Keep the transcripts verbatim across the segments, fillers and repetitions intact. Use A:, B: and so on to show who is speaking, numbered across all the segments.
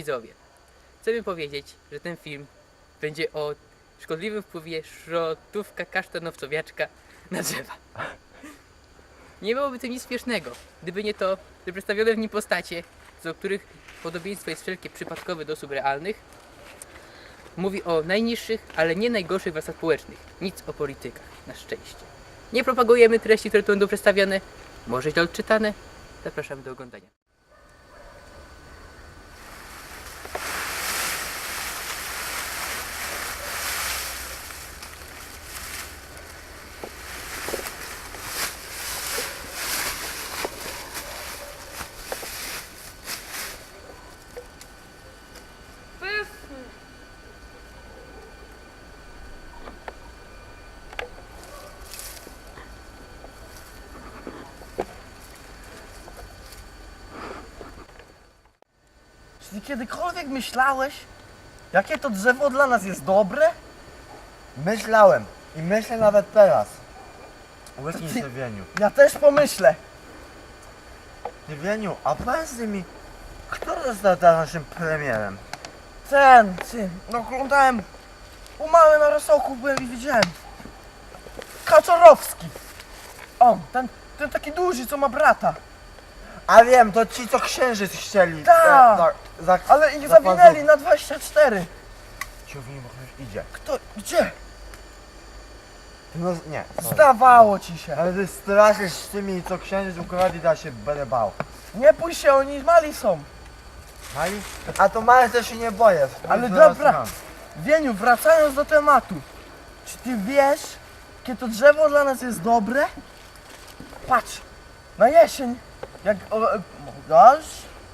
A: widzowie, chcemy powiedzieć, że ten film będzie o szkodliwym wpływie szrotówka kasztanowcowiaczka na drzewa. Nie byłoby to nic śmiesznego, gdyby nie to, że przedstawione w nim postacie, do których podobieństwo jest wszelkie przypadkowe do osób realnych, mówi o najniższych, ale nie najgorszych warstwach społecznych. Nic o politykach, na szczęście. Nie propagujemy treści, które tu będą przedstawione, może źle odczytane. Zapraszamy do oglądania.
B: Czy ty kiedykolwiek myślałeś, jakie to drzewo dla nas jest dobre?
C: Myślałem i myślę nawet teraz. Łyknij się, Wieniu.
B: Ja też pomyślę.
C: Ty, Wieniu, a powiedz mi, kto został teraz naszym premierem?
B: Ten, ty, no oglądałem, u mamy na rosołku byłem i widziałem. Kaczorowski. O, ten, ten taki duży, co ma brata.
C: A wiem, to ci, co księżyc chcieli.
B: Tak.
C: za- za- za-
B: Ale ich
C: za
B: zawinęli
C: pazu-
B: na dwadzieścia cztery.
C: Ciągnij, bo ktoś idzie.
B: Kto, gdzie?
C: No nie. sorry.
B: Zdawało ci się.
C: Ale ty straszysz z tymi, co księżyc ukradli, da się będę bał.
B: Nie pójść się, oni mali są.
C: Mali? A to małe też się nie boję.
B: Ale
C: Zaraz
B: dobra.
C: mam.
B: Wieniu, wracając do tematu. Czy ty wiesz, jakie to drzewo dla nas jest dobre? Patrz, na jesień, jak... O, e, dasz?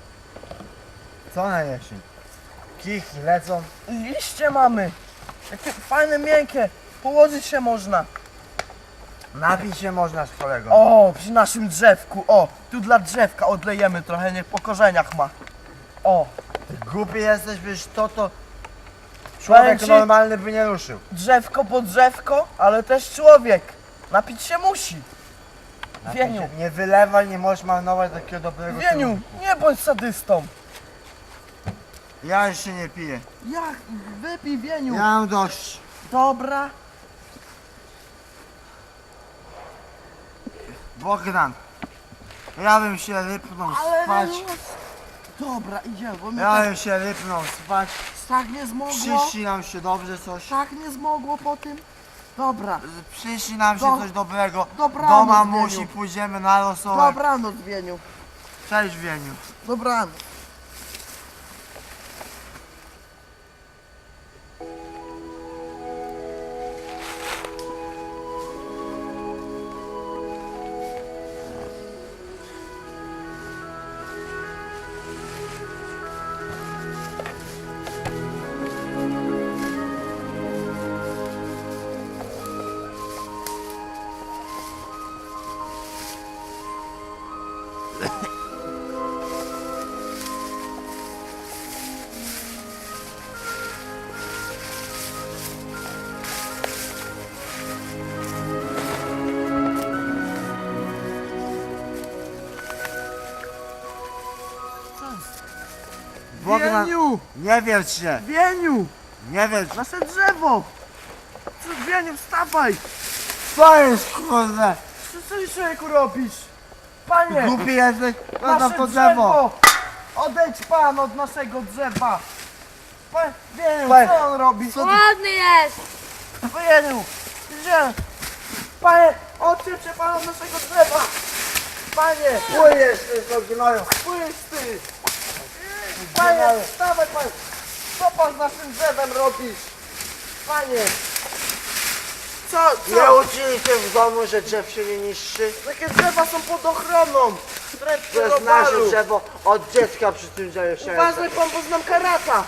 C: Co na jesień? Kichy lecą.
B: Liście mamy. Jakie fajne, miękkie. Położyć się można.
C: Napić się można z kolego.
B: O, przy naszym drzewku. O, tu dla drzewka odlejemy trochę, niech po korzeniach ma. O,
C: Ty głupi jesteś, przecież to to... Człowiek
B: Powiem ci-
C: normalny by nie ruszył.
B: drzewko po drzewko, ale też człowiek. Napić się musi. Wieniu,
C: Nie, nie wylewaj, nie możesz marnować takiego dobrego
B: Wieniu,
C: kierunku.
B: nie bądź sadystą.
C: Ja już się nie piję.
B: Jak? Wypij, Wieniu.
C: Ja mam dość.
B: Dobra.
C: Bogdan, ja bym się rypnął
B: Ale
C: spać.
B: Wieniu. Dobra, idziemy, bo mnie
C: Ja
B: tak,
C: bym się rypnął spać.
B: tak nie zmogło.
C: Przyśni nam się dobrze coś.
B: Tak nie zmogło po tym. Dobra,
C: Przyśni nam się
B: Do-
C: coś dobrego.
B: dobranoc,
C: Do
B: Wieniu.
C: mamusi pójdziemy na rosołek.
B: dobranoc, Wieniu.
C: Cześć, Wieniu.
B: Dobranoc.
C: Bogdan,
B: Wieniu,
C: nie wierz się.
B: Wieniu,
C: Nie wierz.
B: nasze drzewo. Co, Wieniu, wstawaj.
C: Co jest, kurde?
B: Co, co ty, człowieku, robisz? Panie,
C: Głupi jesteś? Zostaw
B: nasze
C: to drzewo.
B: Odejdź pan od naszego drzewa. Pan, Wieniu,
C: Pan,
B: co on robi?
C: co ty-
D: Ładny jest!
B: Wieniu, gdzie? Panie, odciep się pan od naszego drzewa. Panie,
C: Płyjesz, ty, co gnoju.
B: pójdź ty. Panie, wstawaj pan. Co pan z naszym drzewem robisz? Panie. Co,
C: Nie
B: co?
C: uczyli cię w domu, że drzew się nie niszczy?
B: Takie drzewa są pod ochroną. Wręcz
C: To jest nasze drzewo, od dziecka przy tym drzewie się
B: Uważaj pan, bo znam karata.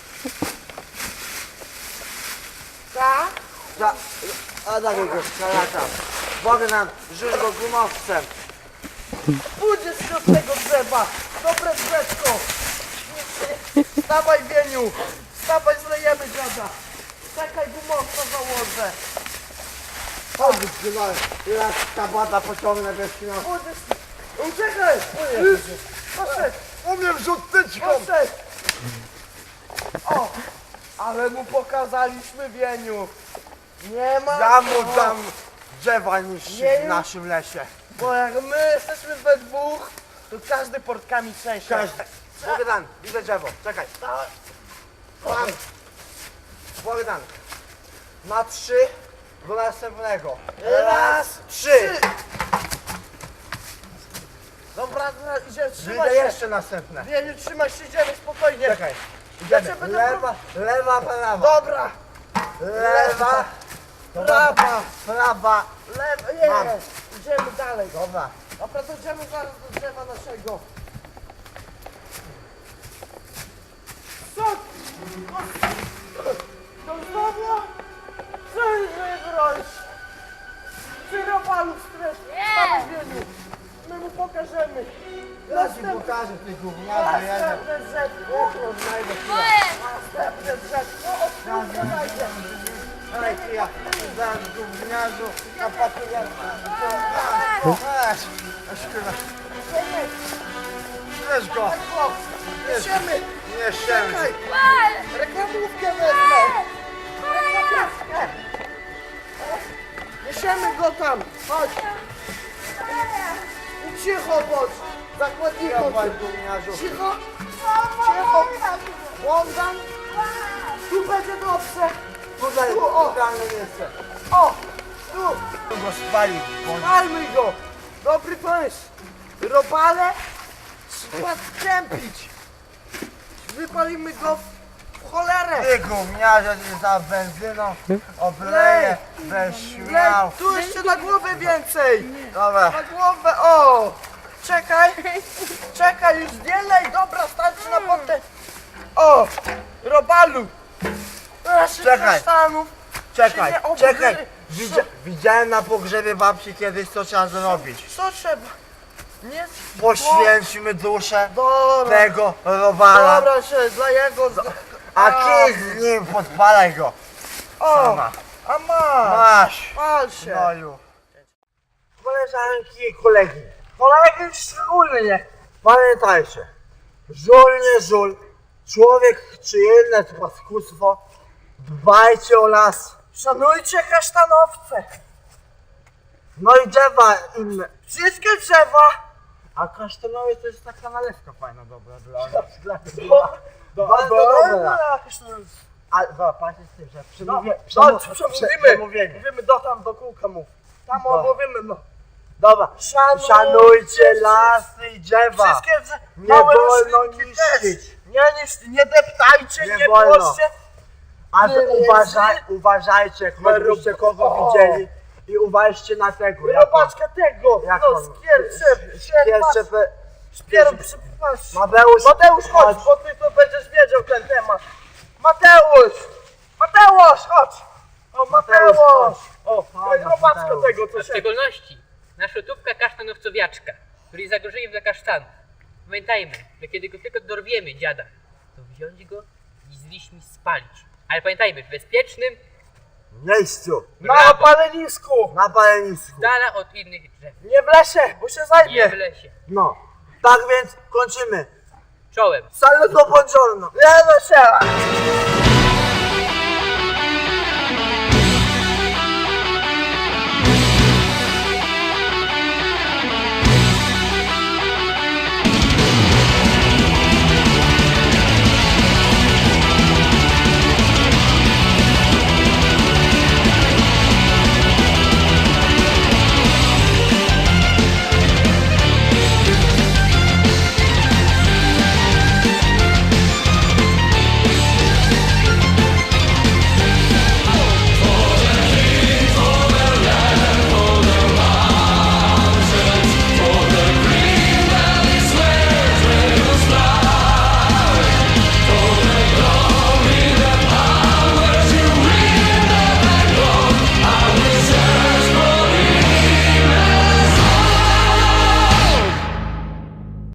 B: Tak?
C: Za, a takiego skalata. Bogdan, rzuć go gumowcem.
B: Pójdziesz się od tego drzewa. Dobre drzewko. Wstawaj, Wieniu. Wstawaj, zlejemy dziada. Czekaj, gumowca założę.
C: Chodź, gnoju. Teraz ta bada pociągnę bez kino.
B: Pójdziesz. Uciekaj. Poszedł.
C: Umiem rzut tyczką.
B: Poszedł. O! Ale mu pokazaliśmy, Wieniu. Nie ma
C: Ja
B: co.
C: mu dam drzewa niż
B: Nie,
C: w naszym lesie.
B: Bo jak my jesteśmy we dwóch, to każdy portkami trzęsie.
C: Każdy. Bogdan, widzę drzewo. Czekaj. Pan. Bogdan. Na trzy do następnego.
B: Raz,
C: trzy.
B: Dobra, dobra, idziemy, trzymaj
C: Widzę
B: się.
C: jeszcze następne.
B: Wieniu, trzymaj się, idziemy spokojnie.
C: Czekaj.
B: Ja
C: Idziemy.
B: cię będę
C: Lewa, lewa, prawa.
B: Dobra,
C: Lewa, prawa, prawa.
B: lewo,
C: Mam.
B: jest. Idziemy dalej.
C: Dobra.
B: Dobra, dojdziemy zaraz do drzewa naszego. Co? To znowu? Co jest broń? Ty robalu stres. Mamy Wieniu. My mu pokażemy.
C: Ja ci pokażę ty gówniarzu jeden.
B: Następne drzewko.
C: Znajdę chwilę.
B: Następne drzewko. O, kurwa, znajdzie.
C: Daj ty ja. Dam gówniarzu. Na papierze. Weź. Weź kurwa. Weź go.
B: Niesiemy.
C: Nie się.
B: Czekaj. Reklamówkę wezmę. Reklamówkę. Niesiemy go tam. Chodź. I cicho bądź. Zakładnikom.
C: Dawaj gówniarzu.
B: Cicho. Cicho. Błądam. Tu będzie dobrze.
C: Tutaj
B: Tu, o.
C: idealne miejsce.
B: O. Tu.
C: Tu go spalił.
B: Palmy go. Dobry pomysł. Robale trzeba skępić. Wypalimy go w cholerę.
C: Ty gówniarze, ty za benzyną obleje. Bez śmiał.
B: Lej, tu jeszcze na głowę więcej.
C: Dobra.
B: Na głowę, o! Czekaj, czekaj, już nie lej, dobra, starczy na potem. O! Robalu! Naszych
C: Czekaj.
B: kasztanów
C: Czekaj,
B: się nie
C: czekaj.
B: obgry-
C: Widzia, widziałem na pogrzebie babci kiedyś, co trzeba zrobić.
B: Co trzeba? Nie...
C: Poświęćmy duszę
B: Dobra,
C: tego robala,
B: dobra, się dla jego...
C: a kij z nim, podpalaj go.
B: O!
C: Sama.
B: A masz!
C: Masz.
B: Pal się!
C: Noju. Koleżanki i kolegi. Kolegi szczególnie. Pamiętajcie. Żul nie żul. Człowiek czy inne paskustwo. Dbajcie o las.
B: Szanujcie kasztanowce!
C: No i drzewa inne.
B: Wszystkie drzewa!
C: A kasztanowie to jest taka nalewka fajna, dobra dla dla
B: Bo-
C: Do,
B: Bardzo
C: dobra.
B: dobra.
C: Ale zobaczcie z tym, że przemówię,
B: No,
C: przemów,
B: przemówimy.
C: przemówienie.
B: Mówimy do tam, do kółka mów. Tam
C: No.
B: omówimy, no.
C: Dobra,
B: Szanujcie
C: szanujcie lasy i drzewa.
B: Wszystkie drze-
C: Nie
B: małe
C: wolno
B: roślinki też.
C: niszczyć.
B: Nie, nie, nie deptajcie,
C: Nie
B: nie,
C: wolno.
B: płoszcie.
C: A
B: Nie,
C: wy
B: nie,
C: uważaj,
B: nie.
C: uważajcie, choćbyście kogo
B: O.
C: widzieli i uważajcie na tego. jako-
B: Robaczkę tego,
C: jak
B: no
C: on-
B: skierczę,
C: Jeszcze pe...
B: Szpieru, przepraszam.
C: Mateusz,
B: Mateusz, chodź, bo ty to będziesz wiedział ten temat. Mateusz! Mateusz, chodź! O,
C: Mateusz,
B: Mateusz!
C: O,
B: To
C: fajnie,
B: jest robaczka
C: Mateusz.
B: tego,
A: A
B: co
A: w
B: się...
A: szczególności nasza tubka kasztanowcowiaczka, który jest zagrożeniem dla kasztanów. Pamiętajmy, że kiedy go tylko dorwiemy dziada, to wziąć go i z liśćmi spalić. Ale pamiętajmy, w bezpiecznym,
C: Miejscu,
B: Na
A: brawo,
B: palenisku!
C: na palenisku.
A: z dala od innych drzew,
B: Nie w lesie, bo się
A: nie w
B: zajmie.
A: lesie.
C: No, tak więc kończymy.
A: Czołem.
C: Saluto buongiorno.
B: Nie, no się!